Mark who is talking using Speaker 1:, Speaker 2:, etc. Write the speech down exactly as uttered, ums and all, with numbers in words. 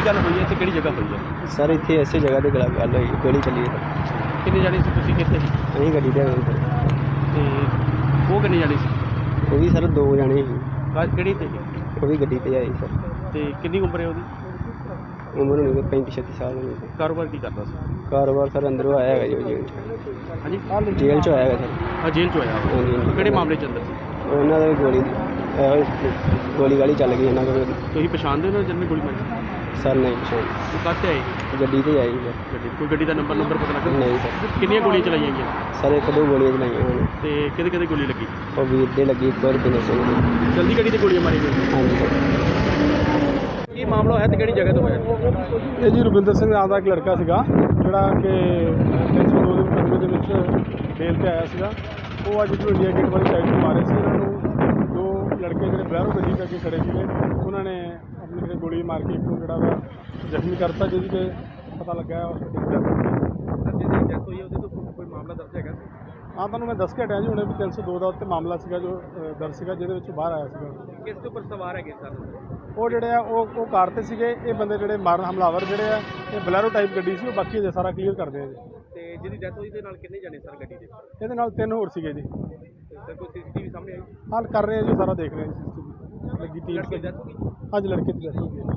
Speaker 1: गल हुई है, किहड़ी जगह हुई है
Speaker 2: सर इत्थे इसे जगह ते गल गल होई गोली चली है।
Speaker 1: किन्ने जाने सी तुसीं कित्थे सी
Speaker 2: असीं गड्डी ते आए सर।
Speaker 1: ते वो किन्ने जाने सी
Speaker 2: वो भी सर दो जने ही,
Speaker 1: किहड़ी ते
Speaker 2: वो भी गड्डी ते आए सर।
Speaker 1: ते किन्नी उम्र है ओहदी
Speaker 2: उम्र होनी कोई पैंती छत्ती साल होनी सर।
Speaker 1: कारोबार की करदा सी
Speaker 2: कारोबार सर अंदरों आया है जो जेल
Speaker 1: हाँ जी
Speaker 2: जेल चो आया है सर।
Speaker 1: हाँ जेल चो आया
Speaker 2: हाँ जी
Speaker 1: किहड़े मामले च अंदर सी
Speaker 2: उन्होंने भी गोली गोली गाली चल गई इन्होंने को
Speaker 1: तुसीं पछाणदे हो जिन्हें गोली मारी
Speaker 2: सर नहीं पछाण
Speaker 1: वो काहते आए
Speaker 2: गड्डी ते आई सर।
Speaker 1: गड्डी कोई गड्डी का नंबर नंबर पता लगा
Speaker 2: नहीं सर
Speaker 1: किन्नियां गोलियां चलाईयां गईयां
Speaker 2: सर एक दो गोलियां चलाइयां उन्होंने
Speaker 1: ते किहदे किहदे गोली लगी
Speaker 2: और वीर दे लगी एक और बिंदर सिंह दी।
Speaker 1: जल्दी गड्डी ते गोलियां मारी गई
Speaker 2: हाँ जी सर।
Speaker 1: ਕੀ ਮਾਮਲਾ ਹੈ ਤੇ ਕਿਹੜੀ ਜਗ੍ਹਾ ਤੋਂ ਹੋਇਆ
Speaker 3: ਇਹ ਜੀ ਰੁਪਿੰਦਰ ਸਿੰਘ ਨਾਮ ਦਾ ਇੱਕ ਲੜਕਾ ਸੀਗਾ ਜਿਹੜਾ ਕਿ ਤਿੰਨ ਸੌ ਦੋ ਦੇ ਮੁਕੱਦਮੇ ਦੇ ਵਿੱਚ ਬੇਲ ਤੇ ਆਇਆ ਸੀਗਾ। ਉਹ ਅੱਜ ਜੋ ਇੰਡੀਆ ਗੇਟ ਵਾਲੀ ਸਾਈਡ ਤੋਂ ਮਾਰੇ ਸੀ ਇਹਨਾਂ ਨੂੰ ਦੋ ਲੜਕੇ ਜਿਹੜੇ ਬਲੈਰੋ ਗੱਡੀ ਕਰਕੇ ਖੜੇ ਸੀਗੇ ਉਹਨਾਂ ਨੇ ਆਪਣੀ ਜਿਹੜੇ ਗੋਲੀ ਮਾਰ ਕੇ ਇੱਕ ਨੂੰ ਜਿਹੜਾ ਵਾ ਜ਼ਖਮੀ ਕਰਤਾ ਜਿਹਦੀ ਕਿ ਪਤਾ ਲੱਗਾ ਹੈ ਹਸਪਤਾਲ
Speaker 1: ਜਿਹਦੀ ਡੈਥ ਹੋਈ ਹੈ ਉਹਦੇ ਤੋਂ ਕੋਈ ਮਾਮਲਾ ਦਰਜ ਹੈਗਾ
Speaker 3: ਹਾਂ ਤੁਹਾਨੂੰ ਮੈਂ ਦੱਸ ਕੇ ਹਟਿਆ ਜੀ ਹੁਣੇ ਵੀ ਤਿੰਨ ਸੌ ਦੋ ਦਾ ਉੱਤੇ ਮਾਮਲਾ ਸੀਗਾ ਜੋ ਦਰਜ ਸੀਗਾ ਜਿਹਦੇ ਵਿੱਚ ਬਾਹਰ ਆਇਆ ਸੀਗਾ।
Speaker 1: ਕਿਸ ਦੇ ਉੱਪਰ ਸਵਾਰ ਹੈਗੇ ਸਰ
Speaker 3: ਉਹ ਜਿਹੜੇ ਆ ਉਹ ਉਹ ਕਾਰ 'ਤੇ ਸੀਗੇ। ਇਹ ਬੰਦੇ ਜਿਹੜੇ ਮਾਰਨ ਹਮਲਾਵਰ ਜਿਹੜੇ ਆ ਇਹ ਬਲੈਰੋ ਟਾਈਪ ਗੱਡੀ ਸੀ ਉਹ ਬਾਕੀ ਅਜੇ ਸਾਰਾ ਕਲੀਅਰ ਕਰਦੇ ਆ ਜੀ।
Speaker 1: ਤੇ ਜਿਹਦੀ ਡੈਥ ਹੋਈ ਦੇ ਨਾਲ ਕਿੰਨੇ ਜਾਣੇ ਸਰ ਗੱਡੀ ਦੇ
Speaker 3: ਇਹਦੇ ਨਾਲ ਤਿੰਨ ਹੋਰ ਸੀਗੇ ਜੀ।
Speaker 1: ਸਰ ਕੋਈ ਸੀਸੀਟੀਵੀ ਸਾਹਮਣੇ ਆਈ
Speaker 3: ਹਾਲ ਕਰ ਰਹੇ ਆ ਜੀ ਸਾਰਾ ਦੇਖ ਰਹੇ ਆ ਜੀ। ਲੱਗੀ ਟੀਮ
Speaker 1: ਲੜਕੇ ਦੀ ਡੈਥ ਹੋ ਗਈ
Speaker 3: ਅੱਜ ਲੜਕੇ ਦੀ ਡੈਥ ਹੋ ਗਈ।